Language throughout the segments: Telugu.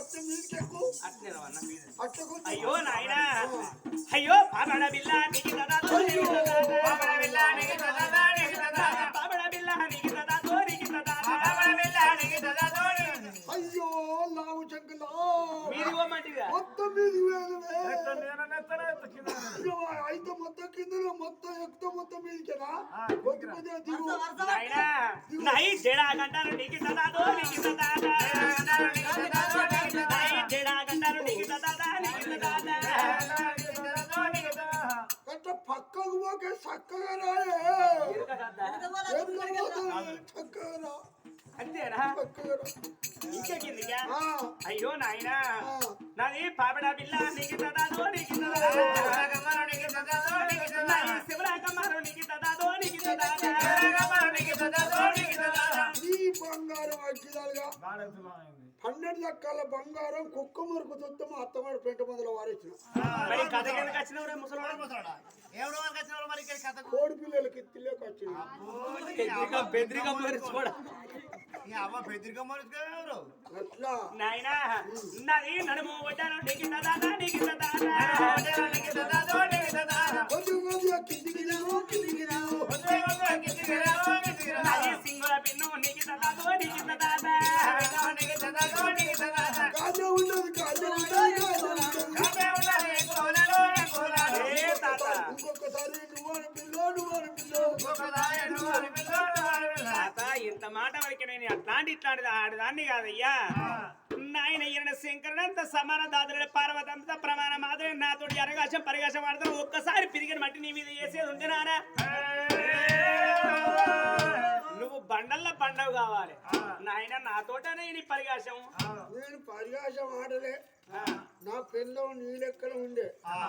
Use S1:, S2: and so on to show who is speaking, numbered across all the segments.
S1: మొత్తం మీదకెక్కు.
S2: అయ్యో నాయనా అయ్యో పాపడ బిల్ల నీకు దాదా పాపడ బిల్ల నీకు దాదా పాపడ బిల్ల నీకు దాదా నీకు దాదా పాపడ బిల్ల నీకు దాదా
S1: అయ్యో లావు చంకలా
S2: మీరు ఇవ్వమంటిగా
S1: మొత్తం మీది అయితే మొత్తం కింద మొత్తం ఎక్కువ మొత్తం మీదికేనా కొద్ది కొద్దిగా దిగు.
S2: నాయనా నాయి జడా గంటారు నీకు దాదా నీకు దాదా నాయి జడా గంటారు నీకు దాదా నీకు దాదా
S1: అట్లా పక్కకు పోకే చక్కగా రాయే చక్కగా రా
S2: అంతేనా
S1: చక్కగా రా.
S2: ఇంకా కిందిగా అయ్యో నాయనా నాది పాపడ బిల్ల నీకు దాదా నీకు దాదా శివరాకమ్మారు నీకు దాదా నీకు దాదా
S1: ఈ బంగారం అగ్గిదాలుగా 12 లక్షల బంగారం కుక్క మురుకు చుట్టం అత్తమాడు పెంట మందుల వారేసిన కోడి పిల్లలకి తిల్లేక వచ్చింది. అట్లా
S2: నాయనా నాది నడుము వడ్డాను నీకు దాదా నీకు దాదా
S1: కొద్ది కొద్దిగా కిందికి రావు కిందికి రావు.
S2: నాది సింగుల పిన్ను నీకు దాదా నీకు దాదా
S1: కాజా ఉండదు కాజా ఉండదు ఇంకొకసారి నువ్వు పిల్లో
S2: తాత ఇంత మాట వరకు నేను ఇట్లాంటిది ఆడదాన్ని కాదయ్యా నాయన ఈయన శంకరుడంత సమాన దాదుల పార్వతంత ప్రమాణ మాదిరి నాతోటి అరగాశం పరిగాశం ఆడతాను ఒక్కసారి పిరిగిన మట్టి నీ మీద వేసేది ఉంది నానా నువ్వు బండల్లో బండవు కావాలి నాయన నాతోటనే నీ పరిగాశం
S1: నేను పరిగాశం ఆడలే నా పెళ్ళం నీ లెక్కలో ఉండే నా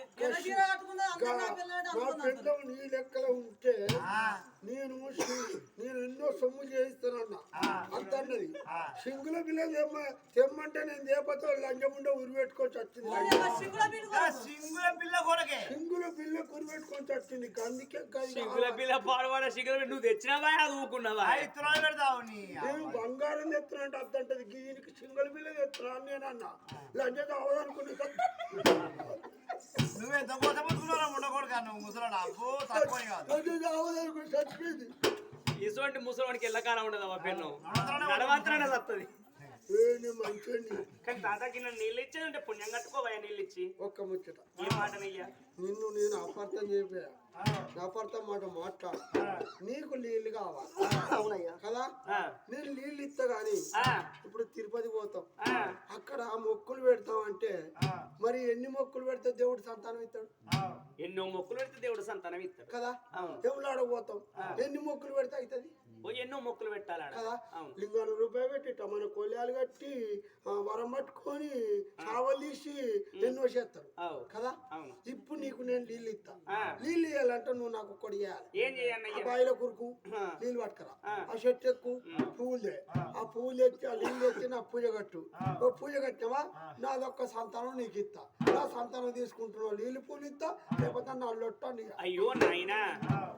S1: పెళ్ళం నీ లెక్కలో ఉంటే నేను ఎన్నో సొమ్ము చేయిస్తానన్నా అంతన్నది సింగుల బిల్ల తెమ్మంటే నేను దేపతో లంచముండే ఉరిపెట్టుకొని వచ్చింది
S3: సింగుల బిల్ల కొరకే
S1: సింగుల బిల్ల ఉరిపెట్టుకొని వచ్చింది అందుకే
S2: సింగుల పిల్ల పాడవాడ సింగుల నువ్వు తెచ్చినావా అది ఊకున్నావా
S3: పెడతావు
S1: నేను బంగారం తెస్తున్నట్టు అద్దంటది దీనికి సింగుల బిల్ల తెస్తున్నాను నేను అన్నా లంచం అవదనుకుని
S3: నువ్వెంత కోసం పుచ్చుకున్నారా ఉండకూడదు నువ్వు ముసలాడు అబ్బో తక్కువ కాదు
S1: అవదనుకుని చచ్చిపోయింది.
S2: ఇటువంటి ముసలివాడికి ఎల్లకాలం ఉండదు ఆ పెన్ను నడవంతరానే వస్తుంది
S1: మంచి
S2: కానీ తాతకి నన్ను నీళ్ళు ఇచ్చేది ఉంటే పుణ్యం కట్టుకోవా నీళ్ళు ఇచ్చి
S1: ఒక్క ముచ్చట
S2: ఏ మాటనయ్యా
S1: నిన్ను నేను అపార్థం చెప్పా అపార్థం మాట మాట్లాడు నీకు నీళ్ళు కావాలి అవునయ్యా కదా నేను నీళ్ళు ఇస్తా గాని ఇప్పుడు తిరుపతి పోతాం అక్కడ మొక్కులు పెడతాం అంటే మరి ఎన్ని మొక్కులు పెడితే దేవుడు సంతానం ఇస్తాడు
S2: ఎన్నో మొక్కులు పెడితే దేవుడు సంతానం ఇస్తాడు
S1: కదా దేవుళ్ళు ఆడపోతాం ఎన్ని మొక్కులు పెడితే అవుతుంది
S2: ఎన్నో మొక్కులు పెట్టాలి
S1: కదా లింగాలు రూపాయలు పెట్టి మన కొల్యాలు కట్టి వరం పట్టుకొని చావలు తీసి ఎన్నో చేస్తారు కదా ఇప్పుడు నీకు నేను నీళ్ళు ఇస్తా నీళ్ళు ఇవ్వాలంటే నువ్వు నాకు ఒక్కటి ఇవ్వాలి బాయిల కురుకు నీళ్ళు పట్టుకరా ఆ చెట్టు ఎక్కు పువ్వులు ఆ పువ్వులు తెచ్చి ఆ నీళ్ళు తెచ్చి నా పూజ కట్టు పూజ కట్టావా నాదొక్క సంతానం నీకు ఇస్తా నా సంతానం తీసుకుంటున్నావు నీళ్ళు పూలు ఇస్తా లేకపోతే నా లొట్ట
S2: అయ్యో నాయనా